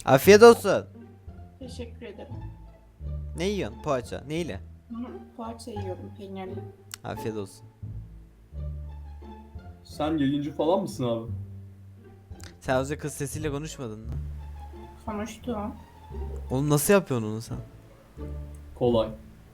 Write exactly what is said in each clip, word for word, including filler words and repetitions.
Afiyet olsun. Teşekkür ederim. Ne yiyorsun? Poğaça. Neyle? Hı, poğaça yiyorum peynirli. Afiyet olsun. Sen yayıncı falan mısın abi? Sen az önce kız sesiyle konuşmadın mı? Konuştum. Oğlum nasıl yapıyorsun onu sen? Kolay.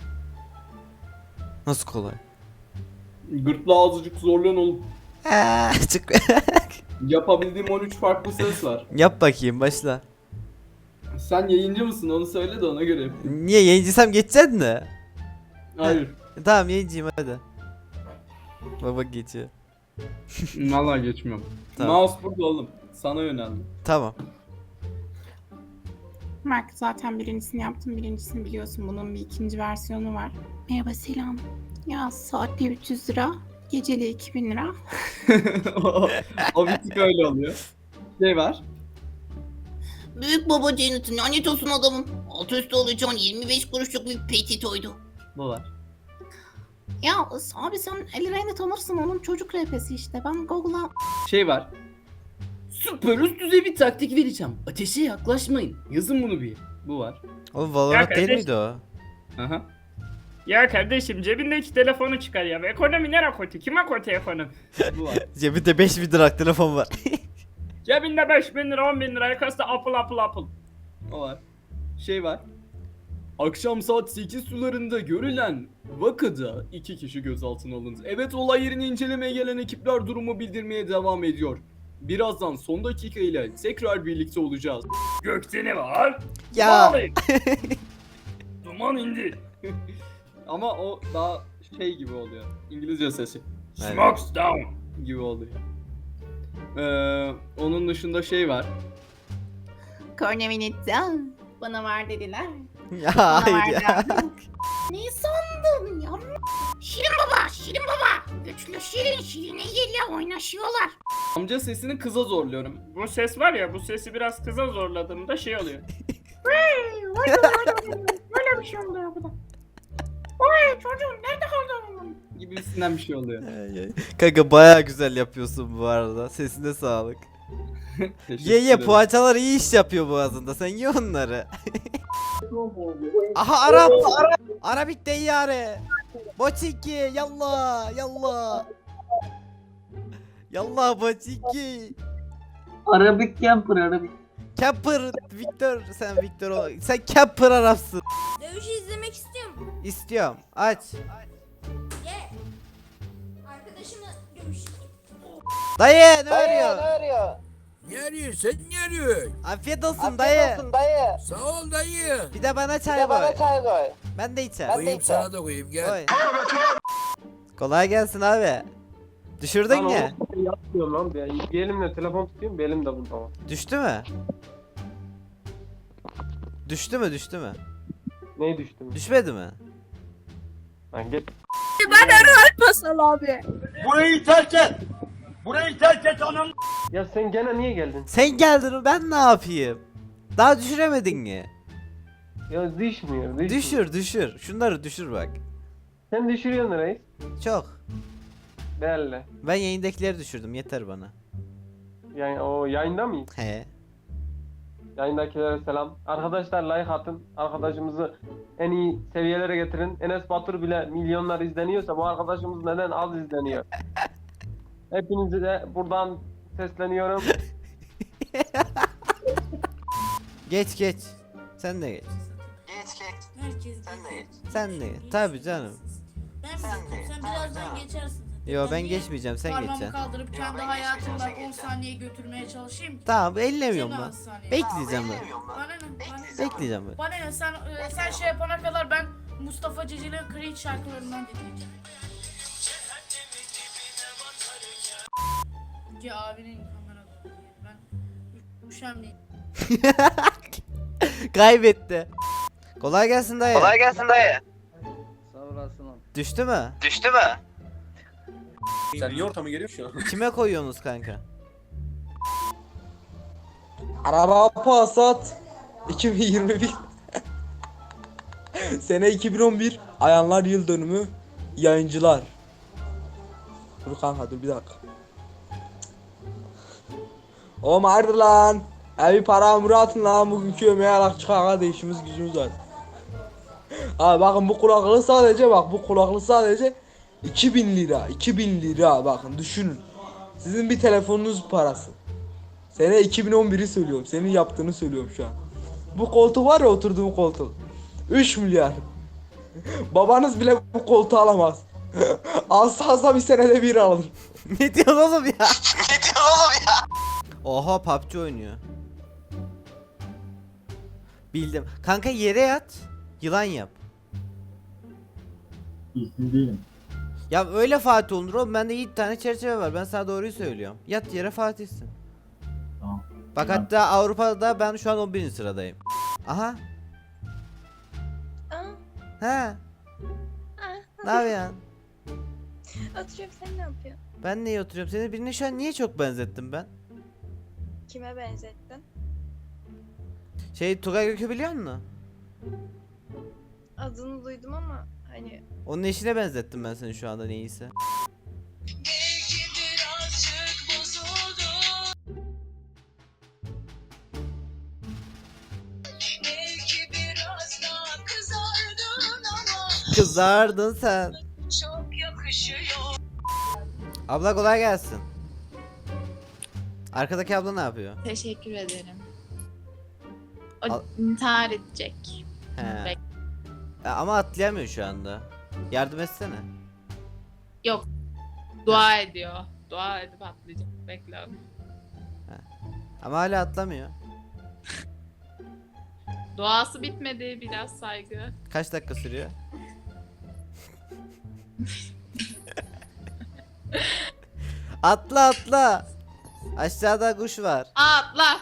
Nasıl kolay? Gırtlağı azıcık zorlayan oğlum. Eee, çık. Yapabildiğim on üç farklı ses var. Yap bakayım başla. Sen yayıncı mısın onu söyle de ona göre yapayım. Niye yayıncısam geçeceksin mi? Hayır. Tamam yayıncıyım hadi. Baba geçiyor. Vallahi geçmiyorum. Tamam. Mouse burada oğlum. Sana yöneldim. Tamam. Mark zaten birincisini yaptım. Birincisini biliyorsun. Bunun bir ikinci versiyonu var. Merhaba selam. Ya saatli üç yüz lira. Geceli iki bin lira. o, o bir tık öyle oluyor. Şey var. Büyük baba cennetin lanet olsun adamım. Altı üstü olacağın yirmi beş kuruşluk bir petitoydu. Bu var. Ya abi sen Elren'i tanırsın. Onun çocuk rehbesi işte. Ben Google'a... Şey var. Süper üst düzey bir taktik vereceğim. Ateşe yaklaşmayın. Yazın bunu bir. Bu var. Oğlum Valorant Ya değil kardeş- miydi o? Aha. Ya kardeşim cebindeki telefonu çıkar ya. Ekonomi nere kötü? Kime kötü telefonu? Bu var. Cebinde beş bin lira telefon var. Cebinde beş bin lira on bin liraya kasta apıl apıl apıl. O var. Şey var. Akşam saat sekiz sularında görülen vakada iki kişi gözaltına alındı. Evet, olay yerine incelemeye gelen ekipler durumu bildirmeye devam ediyor. Birazdan son dakika ile tekrar birlikte olacağız. Gökte ne var? Ya. Bağlayın. Duman indi. Ama o daha şey gibi oluyor. İngilizce sesi Evet. Smokes down. gibi oluyor. Ee, onun dışında şey var. Korneminit'te bana var dediler. Ya Bana hayır var ya. dediler. Ne sandın ya? Şirin baba, Şirin baba. Güçlü Şirin, Şirin'e ile oynaşıyorlar. Amca sesini kıza zorluyorum. Bu ses var ya, bu sesi biraz kıza zorladığımda şey oluyor. Böyle bir şey oluyor bu da. Oy çocuğum nerede kaldın? Gibisinden bir şey oluyor. Ay, ay. Kanka baya güzel yapıyorsun bu arada. Sesine sağlık. Teşekkür Ye ye ederim. poğaçalar iyi iş yapıyor boğazında. Sen ye onları. Aha Arap. Arabik deyyare. Boçiki yallah yallah. Yallah boçiki. Arabik camper, Arabik. Camper Victor sen Victor ol. Sen camper Arapsın. Dövüşü izlemek istiyorum. İstiyorum. Aç. Gel. Arkadaşımla dövüş. Dayı ne arıyor? Ne arıyorsun? Sen ne arıyorsun? Afiyet olsun dayı. Sağ ol dayı. Bir de bana çay koy. Ben de içeceğim. Koyayım sana da koyayım gel. Koy. Kolay gelsin abi. Düşürdün mü? Yapmıyorum lan. Ben bir elimle telefon tutuyorum, bir elim de bunda. Düştü mü? Düştü mü düştü mü? Neye düştüm? Düşmedi mi? Lan git. Masal abi. Burayı terk et. Burayı terk et anam. Ya sen gene niye geldin? Sen geldin ben ne yapayım? Daha düşüremedin mi? Ya düşmüyor, düşmüyor. Düşür düşür. Şunları düşür bak. Sen düşürüyorsun reis. Çok. Belli. Ben yayındakileri düşürdüm yeter bana. Yani o yayında mıyız? He. Yayındakilere selam. Arkadaşlar like atın. Arkadaşımızı en iyi seviyelere getirin. Enes Batur bile milyonlar izleniyorsa bu arkadaşımız neden az izleniyor? Hepinize de buradan sesleniyorum. Geç geç. Sen de geç. Herkes sen de Sen de geç. Tabii canım. Ben sen, sen birazdan geçersin. Yo ben niye geçmeyeceğim sen Parmağımı geçeceksin. kaldırıp kendi hayatımdan on saniye götürmeye çalışayım ki. Tamam ellemiyorum Seni lan. on saniye. Bekleyeceğim ben. Bana ne? Bana, Bekleyeceğim ben. bana ne? Sen, e, sen şey yapana kadar ben Mustafa Ceceli'nin Creed şarkılarından dinleyeceğim. Ki abinin kamerası. Ben üşenmeyeyim. Kaybetti. Kolay gelsin dayı. Kolay gelsin dayı. Sağ olasın. Düştü mü? Düştü mü? Sen niye ortama geliyorsun şu an? Kime koyuyorsunuz kanka? Araba Passat iki bin yirmi bir. Sene iki bin on bir. Ayanlar yıl dönümü. Yayıncılar. Dur kanka dur bir dakika. Oğlum hayırdır lan? Abi para Murat'ın lan bugünkü yemeğe alak çıkar kardeş, işimiz gücümüz var. Abi bakın bu kulaklık sadece bak bu kulaklık sadece iki bin lira. iki bin lira bakın düşünün. Sizin bir telefonunuz parası. Sene iki bin on biri söylüyorum. Senin yaptığını söylüyorum şu an. Bu koltuk var ya, oturduğum koltuk. üç milyar. Babanız bile bu koltuğu alamaz. Alsa alsa bir senede bir alır. Ne diyorsun oğlum ya? Ne diyorsun oğlum ya? Oha P U B G oynuyor. Bildim. Kanka yere yat. Yılan yap. İyisin değilim. Ya öyle Fatih olur oğlum. Bende yedi tane çerçeve var. Ben sana doğruyu söylüyorum. Yat yere Fatih'sin. Tamam. Bak Tamam. hatta Avrupa'da ben şu an on birinci sıradayım. Aha. Aa, He. aa. Ne yapıyorsun? Oturuyorum, sen ne yapıyorsun? Ben niye oturuyorum? Seni birine şu an niye çok benzettim ben? Kime benzettin? Şey Tugay Gök'ü biliyor musun? Adını duydum ama hani Onun eşine benzettim ben seni şu anda neyse. Kızardın sen. Abla kolay gelsin. Arkadaki abla ne yapıyor? Teşekkür ederim. Al- O intihar edecek. He. Bek- Ya ama atlayamıyor şu anda. Yardım etsene. Yok. Dua ediyor. Dua edip atlayacak. Bekle. Ama hala atlamıyor. Duası bitmedi. Biraz saygı. Kaç dakika sürüyor? Atla atla. Aşağıda kuş var. Aa, atla.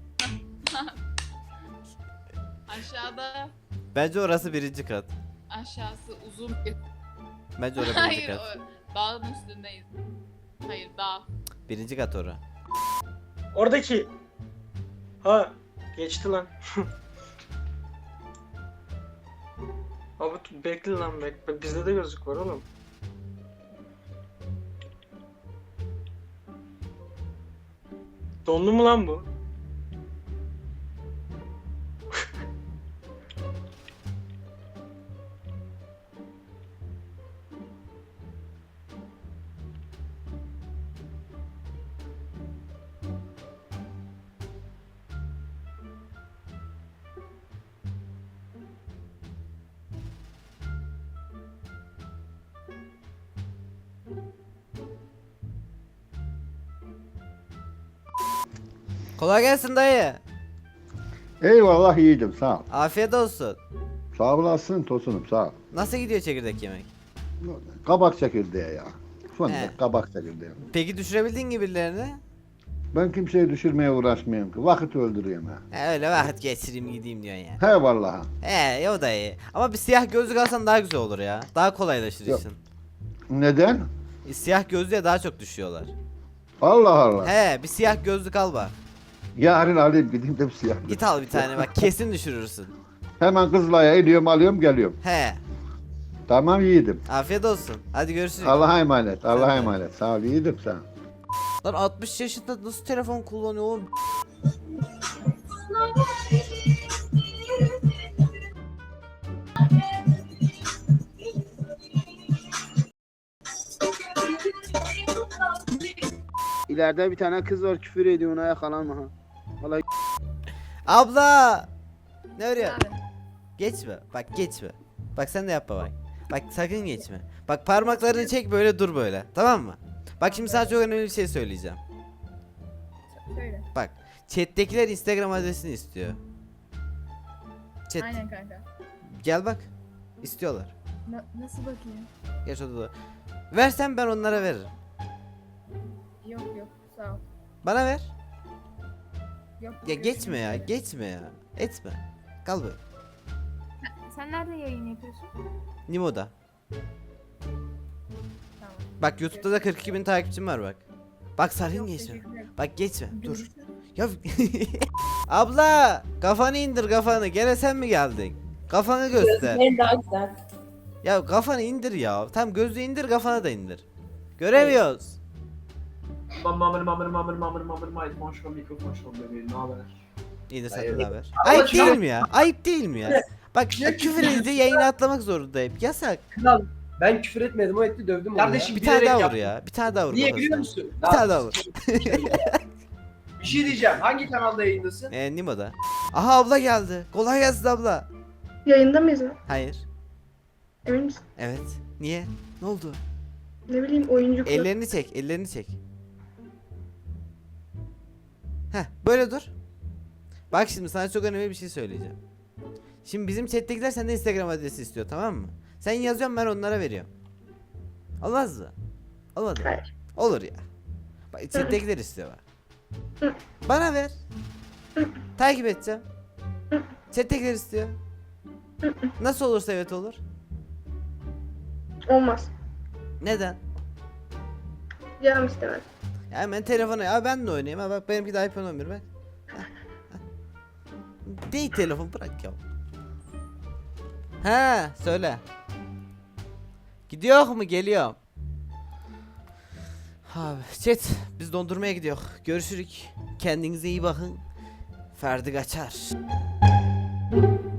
Aşağıda. Bence orası birinci kat. Aşağısı uzun bir... Bence orası birinci Hayır, kat. o dağın üstündeyiz. Hayır, dağ. Birinci kat orası. Oradaki. Ha, geçti lan. Abi dur, bekle lan bekle. Bizde de gözlük var oğlum. Dondu mu lan bu? Kolay gelsin dayı. Eyvallah iyiydim sağ ol. Afiyet olsun. Sağ olasın Tosunum sağ ol. Nasıl gidiyor çekirdek yemek? Kabak çekirdeği ya. Fındık He. kabak çekirdeği. Peki düşürebildin gibi birilerini? Ben kimseyi düşürmeye uğraşmıyorum ki. Vakit öldürüyorum ha. He öyle vakit geçireyim gideyim diyorsun ya. He vallahi. He o da iyi. Ama bir siyah gözlük alsan daha güzel olur ya. Daha kolaylaşır Yok. işin. Neden? E, Siyah gözlüğe daha çok düşüyorlar. Allah Allah. He bir siyah gözlük al bak. Yarın alayım gideyim de bir siyah. Git al bir tane bak kesin düşürürsün. Hemen Kızılay'a ediyorum alıyorum geliyorum. He Tamam yiğidim. afiyet olsun. Hadi görüşürüz. Allah'a emanet. Allah'a de. emanet. Sağ ol yiğidim sağ ol. Lan altmış yaşında nasıl telefon kullanıyor oğlum? İleride bir tane kız var küfür ediyor, ona yakalanma ha. Vallahi Abla! Ne arıyorsun? Geçme. Bak geçme. Bak sen de yapma bak. Bak sakın geçme. Bak parmaklarını çek böyle dur böyle. Tamam mı? Bak şimdi sana çok önemli bir şey söyleyeceğim. söyle. Bak chat'tekiler Instagram adresini istiyor. Chat. Aynen kanka. Gel bak. İstiyorlar. nasıl bakayım? Geç odada. Versen ben onlara veririm. Yok yok, sağ ol. Bana ver. Yok. Ya geçme ya. Geçme ya. Etme. Kal böyle. Sen nerede yayın yapıyorsun? Nimo'da. Tamam. Bak YouTube'da da kırk iki bin takipçim var bak. Bak sakın Yok, geçme. teşekkür ederim. Bak geçme. Dur. Görüşürüz. Ya abla kafanı indir kafanı. Gene sen mi geldin? Kafanı göster. daha güzel. Ya kafanı indir ya. Tam gözü indir kafanı da indir. Göremiyoruz. Mamır mamır mamır mamır mamır mamır konuşma mikrofon şu bebeğim ne haber? İyi de Hayır. senden haber. Allah Ayıp aşkına- değil mi ya? Ayıp değil mi ya? Bak küfür edince yayını atlamak zorundayım. Yasak. Kral ben küfür etmedim o etti dövdüm onu. Kardeşim Bir tane daha vur ya. Bir tane daha vur. Niye kafasına. biliyor musun? Bir tane daha vur. Bir şey diyeceğim. Hangi kanalda yayındasın? Eee Nimo'da. Aha abla geldi. Kolay gelsin abla. Yayında mıyız mı? Hayır. Emin misin? Evet. Niye? Ne oldu? Ne bileyim oyuncu kız. Ellerini çek. Ellerini çek. Heh böyle dur. Bak şimdi sana çok önemli bir şey söyleyeceğim. Şimdi bizim chat'tekiler senden Instagram adresi istiyor, tamam mı? Sen yazıyorsun, ben onlara veriyorum. Olmaz mı? Olmadı mı? Hayır. Olur ya. Bak chat'tekiler istiyor bak. Hı. Bana ver. Hı. Takip edeceğim. Hı. Chat'tekiler istiyor. Hı. Nasıl olursa evet olur. Olmaz. Neden? Canım istemez. Ya hemen telefona, ya ben de oynayayım ha, bak benimki de iPhone on bir bak. Heh, heh. Değil telefon, bırak ya. Ha söyle. Gidiyor mu, geliyor? Abi chat, biz dondurmaya gidiyor. Görüşürük. Kendinize iyi bakın. Ferdi kaçar.